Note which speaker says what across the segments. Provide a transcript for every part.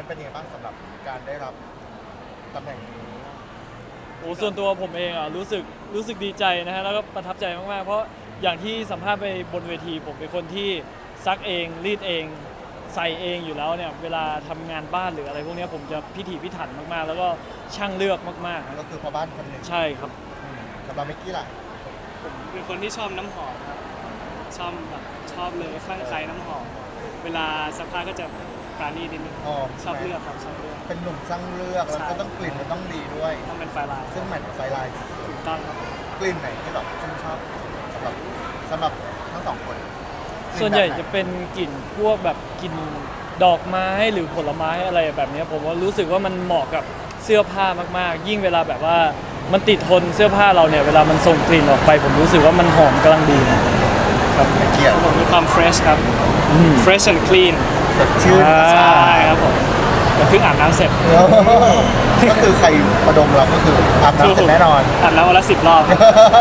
Speaker 1: เป็นยังไงบ้างสำหรับการได้รับตำแหน่งนี้
Speaker 2: โอ้ส่วนตัวผมเองอ่ะรู้สึกดีใจนะฮะแล้วก็ประทับใจมากๆเพราะอย่างที่สัมภาษณ์ไปบนเวทีผมเป็นคนที่ซักเองรีดเองใส่เองอยู่แล้วเนี่ยเวลาทำงานบ้านหรืออะไรพวกนี้ผมจะพิถีพิถันมากๆแล้วก็ช่างเลือกมากๆครับ
Speaker 1: ก็คือพ่อบ้านคนหนึ่ง
Speaker 2: ใช่ครับ
Speaker 1: สำหรับเมกกี้ล่ะ
Speaker 3: ผมเป็นคนที่ชอบน้ำหอมครับชอบเลยคลั่งไคล้น้ำหอมเวลาซักผ้าก็จะปราณีนิดนึงชอบเลือกครับชอบเลือก
Speaker 1: เป็นหนุ่มช่างเลือกแล้วก็ต้องกลิ่นมันต้องดีด้วย
Speaker 3: ต้องเป็นไฟลาย
Speaker 1: ซึ่งแมทกับไฟลาย
Speaker 3: ถูกต้องครับ
Speaker 1: กลิ่นไหนที่แบบชื่นชอบสำหรับทั้งสองคน
Speaker 2: ส่วนใหญ่จะเป็นกลิ่นพวกแบบกลิ่นดอกไม้หรือผลไม้อะไรแบบนี้ผมว่ารู้สึกว่ามันเหมาะกับเสื้อผ้ามากๆยิ่งเวลาแบบว่ามันติดทนเสื้อผ้าเราเนี่ยเวลามันส่งกลิ่นออกไปผมรู้สึกว่ามันหอมกำลังดีครับ
Speaker 1: เกียรติ
Speaker 3: ผมมีความ fresh ครับ fresh and clean
Speaker 1: สดชื่น
Speaker 3: ใช่ครับผมเพิ่งอาบน้ำเสร็จ
Speaker 1: ก็คือใครประดมเราก็คืออาบน้ำเสร็จแน่นอน
Speaker 3: อาบน้ำวันละ10 รอบ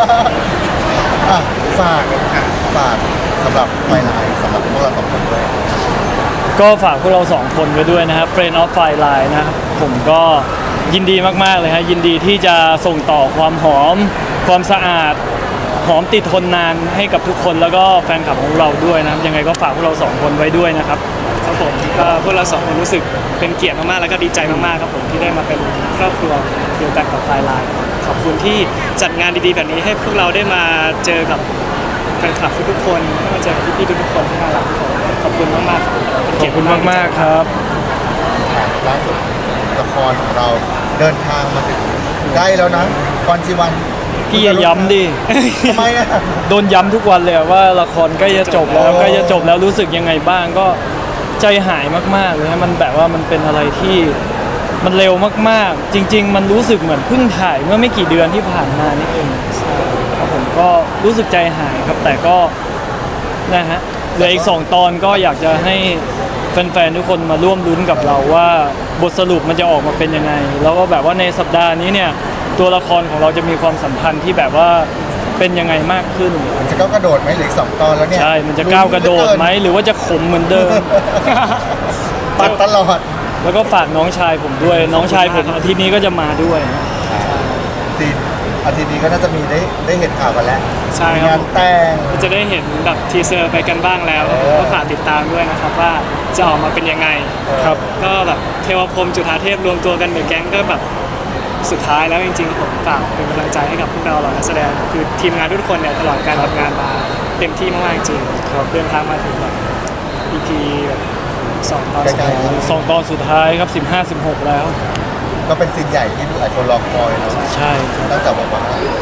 Speaker 1: ฝากสำหรับไฟลายสำหรับพวกเราสองคนด้วย
Speaker 2: ก็ฝากพวกเรา2คนไว้ด้วยนะครับ Friend of Fireline นะครับผมก็ยินดีมากๆเลยฮะยินดีที่จะส่งต่อความหอมความสะอาดหอมติดทนนานให้กับทุกคนแล้วก็แฟนคลับของเราด้วยนะครับยังไงก็ฝากพวกเรา2คนไว้ด้วยนะครับ
Speaker 3: ครับผมก็พวกเรา2คนรู้สึกเป็นเกียรติมากๆแล้วก็ดีใจมากๆครับผมที่ได้มาเป็นครอบครัวเดียวกันกับไฟไลน์ขอบคุณที่จัดงานดีๆแบบนี้ให้พวกเราได้มาเจอกับแฟนคลับทุกๆคนได้มาเจอกับพี่ๆทุกๆคนที่น่ารักขอบคุณมากๆ
Speaker 2: ขอบคุณมากๆครับ
Speaker 1: ล่าสุดละครของเราเดินทางมาถึงใกล้แล้วนะพรชีวัน
Speaker 2: พี่อย่าย้ำดิ
Speaker 1: ทำไมอ่ะ
Speaker 2: โดนย้ำทุกวันเลยว่าละครใกล้จะจบแล้วรู้สึกยังไงบ้างก็ใจหายมากๆเลยฮะมันแบบว่ามันเป็นอะไรที่มันเร็วมากๆจริงๆมันรู้สึกเหมือนเพิ่งถ่ายเมื่อไม่กี่เดือนที่ผ่านมานี่เองครับผมก็รู้สึกใจหายครับแต่ก็นะฮะเหลืออีก2 ตอนก็อยากจะให้แฟนๆทุกคนมาร่วมลุ้นกับเราว่าบทสรุปมันจะออกมาเป็นยังไงแล้วก็แบบว่าในสัปดาห์นี้เนี่ยตัวละครของเราจะมีความสัมพันธ์ที่แบบว่าเป็นยังไงมากขึ้น
Speaker 1: มันจะก้าวกระโดดไหมหรืออีก2 ตอนแล้วเนี่ย
Speaker 2: ใช่มันจะก้าวกระโดดไหมหรือว่าจะขมเหมือนเดิม
Speaker 1: ปัดตลอด
Speaker 2: แล้วก็ฝากน้องชายผมด้วยน้องชายผมอาทิตย์นี้ก็จะมาด้วย
Speaker 1: ซีนอาทิตย์นี้ก็น่าจะมีได้เห็นข่าวกันแล้ว
Speaker 3: ใช่
Speaker 1: งานแต่ง
Speaker 3: จะได้เห็นแบบทีเซอร์ไปกันบ้างแล้วก็ฝากติดตามด้วยนะครับว่าจะออกมาเป็นยังไง
Speaker 2: ครับ
Speaker 3: ก็แบบเทวพรหมจุฑาเทพรวมตัวกันเหมือนแก๊งก็แบบสุดท้ายแล้วจริงๆผมฝากเป็นกำลังใจให้กับพวกเราเหล่านักแสดงคือทีมงานทุกคนเนี่ยตลอดการทำงานมาเต็มที่มากๆจริงเดินทางมาถึงแบบ EP แบบ2 ตอน
Speaker 2: 2 ตอนสุดท้ายครับ15-16แล้ว
Speaker 1: ก็เป็นซีนใหญ่ที่ทุกคนรอคอยนะ
Speaker 2: ใช่
Speaker 1: ตั้งแต่บอกว่า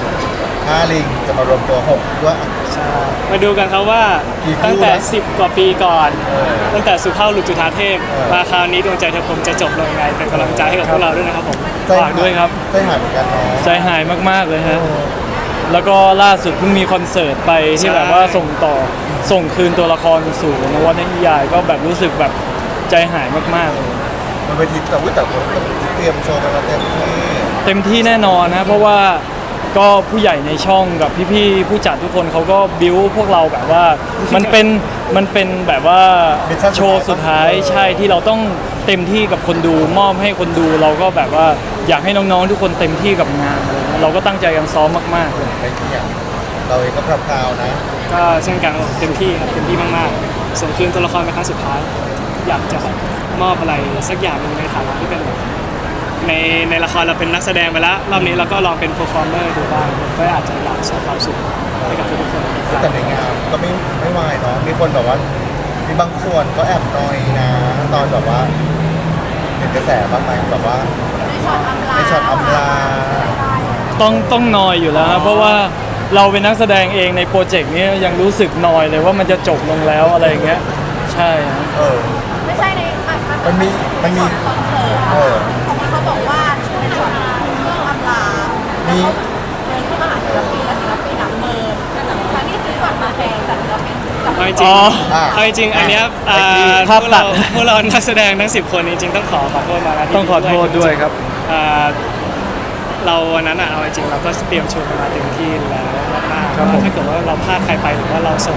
Speaker 1: 5 ลิงจะมารวมตัว6ด้วย
Speaker 3: ใช่มาดูกันครับว่าตั้งแต่10 กว่าปีก่อนตั้งแต่สุภาพหลุดจุฑาเทพมาคราวนี้ดวงใจเธอผมจะจบลงยังไงเป็นกำลังใจให้กับพวกเราด้วยนะครับผม
Speaker 2: ฝากด้วยครับ
Speaker 1: ใจหายเหมือนกันเนาะ
Speaker 2: ใจหายมากๆเลยฮะแล้วก็ล่าสุดเพิ่งมีคอนเสิร์ตไปที่แบบว่าส่งคืนตัวละครสู่นวนิยายก็แบบรู้สึกแบบใจหายมากๆเลย
Speaker 1: มันเป็นทีแต่คนก็เตรียมโชว์กัน
Speaker 2: เต็มที่แน่นอนนะเพราะว่าก็ผู้ใหญ่ในช่องกับพี่ๆผู้จัดทุกคนเขาก็บิ้วพวกเราแบบว่ามันเป็นแบบว่าโชว์สุดท้ายใช่ที่เราต้องเต็มที่กับคนดูมอบให้คนดูเราก็แบบว่าอยากให้น้องๆทุกคนเต็มที่กับงานเราก็ตั้งใจกันซ้อมมากๆเลย
Speaker 1: เราเองก็พราวนะ
Speaker 3: ก็เช่นกันเต็มที่ครับเต็มที่มากๆส่งคืนตัวละครเป็นครั้งสุดท้ายอยากจะมอบอะไรสักอย่างนึงในฐานะที่เป็นในละครเราเป็นนักแสดงไปแล้วรอบนี้เราก็ลองเป็นเพอร์ฟอร์เมอร์ดูบ้างก็อาจจะอยากส่งความสุขให้กับทุกคน
Speaker 1: แต่ในงานก็ไม่วายเนาะมีคนแบบว่ามีบางส่วนก็แอบนอยนะตอนแบบว่าเห็นกระแสบ้างไหมแบบว่าในช็อตอำลา
Speaker 2: ต้องนอยอยู่แล้วเพราะว่าเราเป็นนักแสดงเองในโปรเจกต์นี้ยังรู้สึกนอยเลยว่ามันจะจบลงแล้วอะไรอย่างเงี้ยใช่
Speaker 4: ไม่ใช่ใน
Speaker 1: มันมี
Speaker 4: คอนเสิร์ตเขาบอกว่าในช็อตเรื่องอำลาแล้วเขาเดินเข้ามาหาศิลปินและศิลปินหนักเมินทั้งที่ซื้อบัตรมาแพงแต่ศิลปิน
Speaker 3: เอาจริงอันนี้พวกเรานักแสดงทั้ง10 คนจริงๆต้องขอโทษมาแล้ว
Speaker 2: ต้องขอโทษด้วยครับ
Speaker 3: เราวันนั้นเอาจริงเราก็เตรียมโชว์มาเต็มที่แล้วมากๆถ้าเกิดว่าเราพลาดใครไปหรือว่าเราส่ง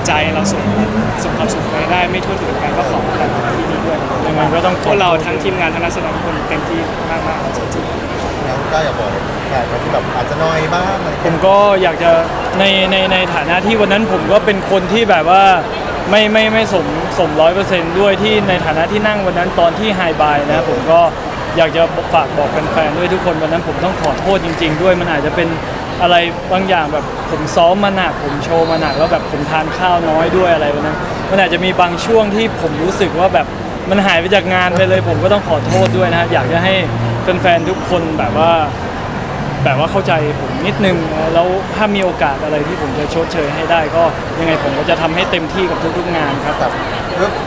Speaker 3: ใจเราส่งความสุขไปได้ไม่ทั่วถึงกันก็ขอแต่ที่นี้ด้วย
Speaker 2: ยังไงก็ต้องข
Speaker 3: พ
Speaker 2: อ
Speaker 3: วกเราทั้งทีมงานทั้งนักแสดงทุกคนเต็มที่มากๆจริง
Speaker 1: แล้วก็อยากบอกแฟนที่แบบอาจจะน้อยบ้างอะไร
Speaker 2: ผ
Speaker 1: เงี้
Speaker 2: ม
Speaker 1: ย
Speaker 2: ก็อยากจะในฐานะที่วันนั้นผมก็เป็นคนที่แบบว่าไม่สม100%ด้วยที่ในฐานะที่นั่งวันนั้นตอนที่ไฮบายนะผมก็อยากจะฝากบอกแฟนๆด้วยทุกคนวันนั้นผมต้องขอโทษจริง ๆ ด้วยมันอาจจะเป็นอะไรบางอย่างแบบผมซ้อมมาหนักผมโชว์มาหนักแล้วแบบผมทานข้าวน้อยด้วยอะไรวันนั้นมันอาจจะมีบางช่วงที่ผมรู้สึกว่าแบบมันหายไปจากงานไปเลย ผมก็ต้องขอโทษด้วยนะฮะอยากจะให้แฟนๆทุกคนแบบว่าเข้าใจผมนิดนึงนะแล้วถ้ามีโอกาสอะไรที่ผมจะชดเชยให้ได้ก็ยังไงผมก็จะทำให้เต็มที่กับทุกๆงานครับ
Speaker 1: แต่เรื่อง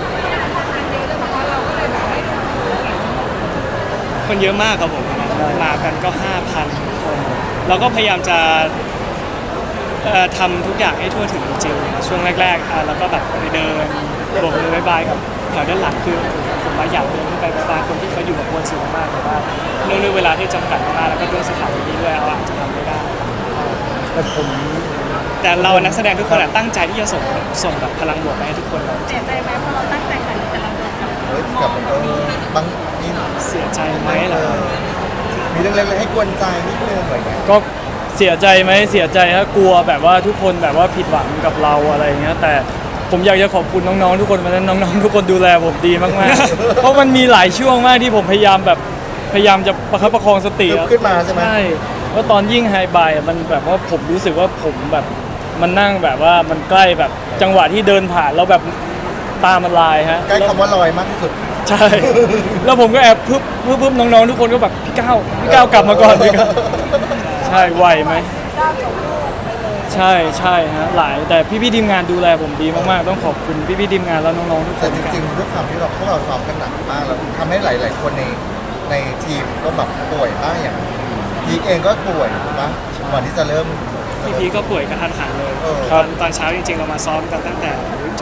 Speaker 3: ๆคนเยอะมากครับผมมากันก็ 5,000 คนเราก็พยายามจะทำทุกอย่างให้ทั่วถึงจริงๆช่วงแรกๆแล้วก็แบบไปเดินโบกมือบายบายกับแถวด้านหลังคือผมมาอยากเดินขึ้นไปบายบายคนที่เขาอยู่กับบนสูงมากแต่ว่าเนื่องด้วยเวลาที่จำกัดมากแล้วก็ด้วยสถานที่ด้วยเราอาจจะทำไม่ได้
Speaker 2: แต่ผม
Speaker 3: แต่เรานักแสดงทุกคนตั้งใจที่จะส่งแบบพลังบวกไปให้ทุกคนเลย
Speaker 4: เสียใจไหมเพราะเราตั้งใจขนาดนี้แต่เราโดนกับ
Speaker 1: เฮ้ยกับบางมี
Speaker 3: เสียใจไหมเหรอ
Speaker 1: มีเรื่องเล็กๆให้กวนใจนิดนึงอะไรเงี้ย
Speaker 2: ก็เสียใจไหมเสียใจฮะกลัวแบบว่าทุกคนแบบว่าผิดหวังกับเราอะไรอย่างเงี้ยแต่ผมอยากจะขอบคุณน้องๆทุกคนวันนั้นน้องๆทุกคนดูแลผมดีมากๆ เพราะมันมีหลายช่วงมากที่ผมพยายามจะประคับประคองสติ
Speaker 1: ขึ้นมาใช่ไหม
Speaker 2: ใช่เพราะตอนยิ่งไฮบายมันแบบว่าผมรู้สึกว่าผมแบบมันนั่งแบบว่ามันใกล้แบบจังหวะที่เดินผ่านแล้วแบบตามันลายฮะ
Speaker 1: ใกล้คำว่าลอยมากที่สุด
Speaker 2: ใช่ แล้วผมก็แอบพึบน้องๆทุกคนก็แบบพี่ก้าวกลับมาก่อนพี่ก้าวใช่ไหวไหม
Speaker 4: ก้าวจบลูกไปเลย
Speaker 2: ใช่ฮะหลายแต่พี่ๆทีมงานดูแลผมดีมากๆต้องขอบคุณพี่ๆทีมงานแล้วน้องๆทุกค
Speaker 1: แต่
Speaker 2: น
Speaker 1: จริงๆด้วยความที่พวกเราซ้อมกันหนักมากแล้วทำให้หลายๆคนในทีมก็แบบป่วยบ้างอย่างพีคเองก็ป่วยถูกปะก่อนที่จะเริ่ม
Speaker 3: พี่พีก็ป่วยกระทันหันเลย
Speaker 1: เออ
Speaker 3: ตอนเช้าจริงๆเรามาซ้อมกันตั้งแต่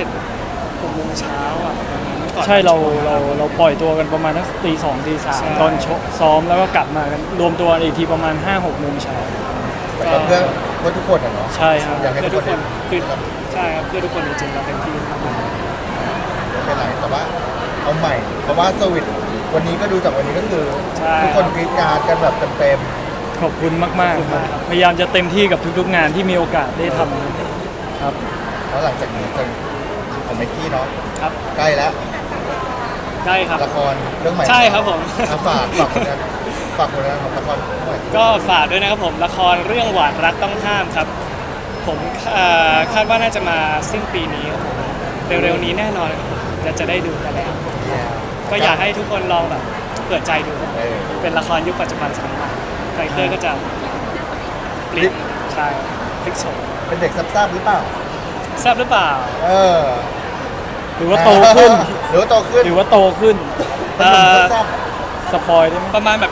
Speaker 3: 7-6 โมงเช้าอ่ะประมาณนั้นก่อน
Speaker 2: ใช่เราปล่อยตัวกันประมาณสักตี 2 ตี
Speaker 3: ใช่
Speaker 2: 3ตอนซ้อมแล้วก็กลับมากันรวมตัวกันอีกทีประมาณ 5-6 โมงเช้า
Speaker 1: แต่ก็เพื่อทุกคนอะเนาะ
Speaker 2: ใช่ครับ
Speaker 1: อยากให้
Speaker 3: เพื่อ
Speaker 1: ทุ
Speaker 3: ทุ
Speaker 1: ก
Speaker 3: ก
Speaker 1: ค
Speaker 3: คน นคือใช่ครับเพื่อทุกคนจริงๆเราเต็มที่มาก
Speaker 1: ไม่เป็นไรแต่ว่าเอาใหม่ เพราะว่าสวิตวันนี้ก็ดูจากวันนี้ก็คือ ทุกคนกรีดกรารกันแบบเต็ม
Speaker 2: ขอบคุณมากๆครับพยายามจะเต็มที่กับทุกๆงานที่มีโอกาสได้ทำครับ
Speaker 1: ๆแล้วหลังจากนี้จะของไมค์กี้เนาะ
Speaker 3: ๆครับ
Speaker 1: ใกล้แล้ว
Speaker 3: ได้ครับ
Speaker 1: ละครเรื่องใหม่
Speaker 3: ใช่ครับผม
Speaker 1: อ่ะฝากผลงานของละครหน่อย
Speaker 3: ก็ฝากด้วยนะครับผมละครเรื่องหวานรักต้องห้ามครับ ผมคาดว่าน่าจะมาสิ้นปีนี้ครับผมเร็วๆนี้แน่นอนจะได้ดูกันแล้ว ก็อยากให้ทุกคนลองแบบเปิดใจดูครับ
Speaker 1: เออ
Speaker 3: เป็นละครยุคปัจจุบันสมัยใหม่คาแรคเตอร์ก็จะเปลี่ยนใช่พลิกโฉม
Speaker 1: เป็นเด็กซับๆหรือเปล่า
Speaker 3: ทราบหรือเปล่า
Speaker 1: เออ
Speaker 2: หรือว่าโตขึ้น
Speaker 1: หรือว่าโตขึ้น
Speaker 2: หรือว่าโตขึ้น
Speaker 1: เป็นหนุ่มซับ
Speaker 2: สปอยได้ไหม
Speaker 3: ประมาณแบบ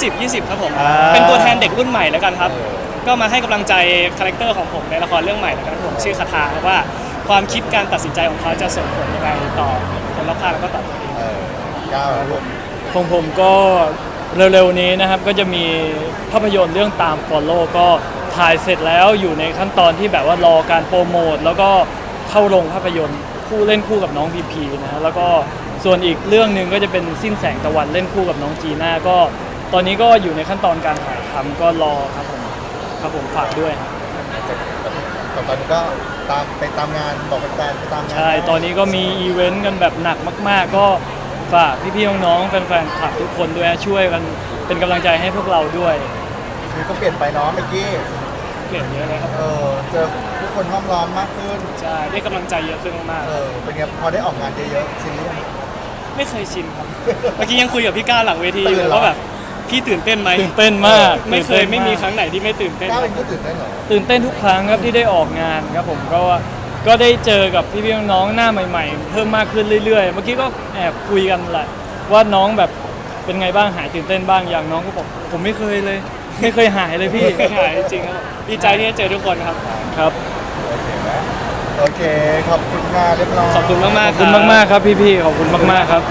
Speaker 3: 20 ครับผม
Speaker 2: อ่า
Speaker 3: เป็นตัวแทนเด็กรุ่นใหม่แล้วกันครับ
Speaker 1: เออ
Speaker 3: ก็มาให้กำลังใจคาแรคเตอร์ของผมในละครเรื่องใหม่แล้วกันครับผมชื่อคาถาครับว่าความคิดการตัดสินใจของเขาจะส่งผลยังไงต่อคนรอบข้างแล้วก็ต่อตัวเอง
Speaker 1: เออก้าวลูก
Speaker 2: ของผมก็เร็วๆนี้นะครับก็จะมีภาพยนตร์เรื่องตาม Follow ก็ถ่ายเสร็จแล้วอยู่ในขั้นตอนที่แบบว่ารอการโปรโมทแล้วก็เข้าโรงภาพยนตร์คู่เล่นคู่กับน้องพีพีนะฮะแล้วก็ส่วนอีกเรื่องหนึ่งก็จะเป็นสิ้นแสงตะวันเล่นคู่กับน้องจีน่าก็ตอนนี้ก็อยู่ในขั้นตอนการถ่ายทำก็รอครับผมฝากด้วยครับ
Speaker 1: แต่ตอนนี้ก็ไปตามงานบอกแฟนๆไปตามงาน
Speaker 2: ใช่ตอนนี้ก็มีอีเวนต์กันแบบหนักมาก ๆ ก็ฝากพี่ๆน้องๆแฟนๆคลับทุกคนด้วยนะช่วยกันเป็นกำลังใจให้พวกเราด้วย
Speaker 1: คือก็เปลี่ยนไปเนาะเมื่อกี้
Speaker 3: เปลี่ยนเยอะเลยครับ
Speaker 1: เจอผู้คนห้อมล้อมมากขึ้น
Speaker 3: ใช่ได้กำลังใจเยอะขึ้นมาก
Speaker 1: เป็นไงพอได้ออกงานเยอะๆซีรีส์
Speaker 3: ๆไม่เคยชินครับ เมื่อกี้ยังคุยกับพี่ก้าวหลังเวที
Speaker 1: ตื่นเหรอ
Speaker 3: ว่าแบบพี่ตื่นเต้นไหม
Speaker 2: ตื่นเต้นมาก
Speaker 3: ไม่เคย
Speaker 2: ตื่นต้นาก
Speaker 3: ไม่มีครั้งไหนที่ไม่ตื่นเต้น
Speaker 1: ก้าวเองก็ตื่นได้นเหรอ
Speaker 2: ตื่นเต้นทุกครั้งครับที่ได้ออกงานครับผมก็ได้เจอกับพี่ๆน้องๆหน้าใหม่ ๆ เพิ่มมากขึ้นเรื่อยๆ เมื่อกี้ก็แอบคุยกันแหละว่าน้องแบบเป็นไงบ้างหายตื่นเต้นบ้างอย่างน้องก็บอกผมไม่เคยเลย ไม่เคยหายเลยพี่
Speaker 3: ไม่หายจริงๆครับดีใจที่ได้เจอทุกคนครับ
Speaker 2: ครับ
Speaker 1: โอเคไหมโอเค ขอบคุณงานเรียบร้อย
Speaker 3: ขอบคุณมากๆ
Speaker 2: ขอบคุณมากๆครับพี่ๆขอบคุณมากๆครับ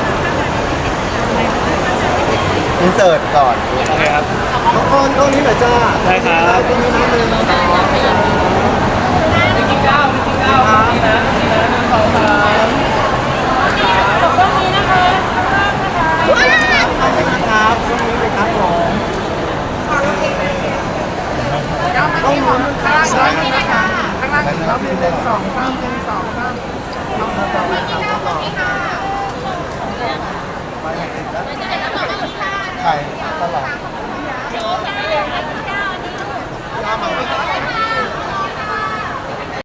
Speaker 1: อินเสิร์ตก่อน
Speaker 3: โอเคครับ
Speaker 1: น้องออนกล้องนี้หน่อยจ้า
Speaker 3: ได้ครับ
Speaker 1: ตรงนี้น้ำเลยนะใครตลอด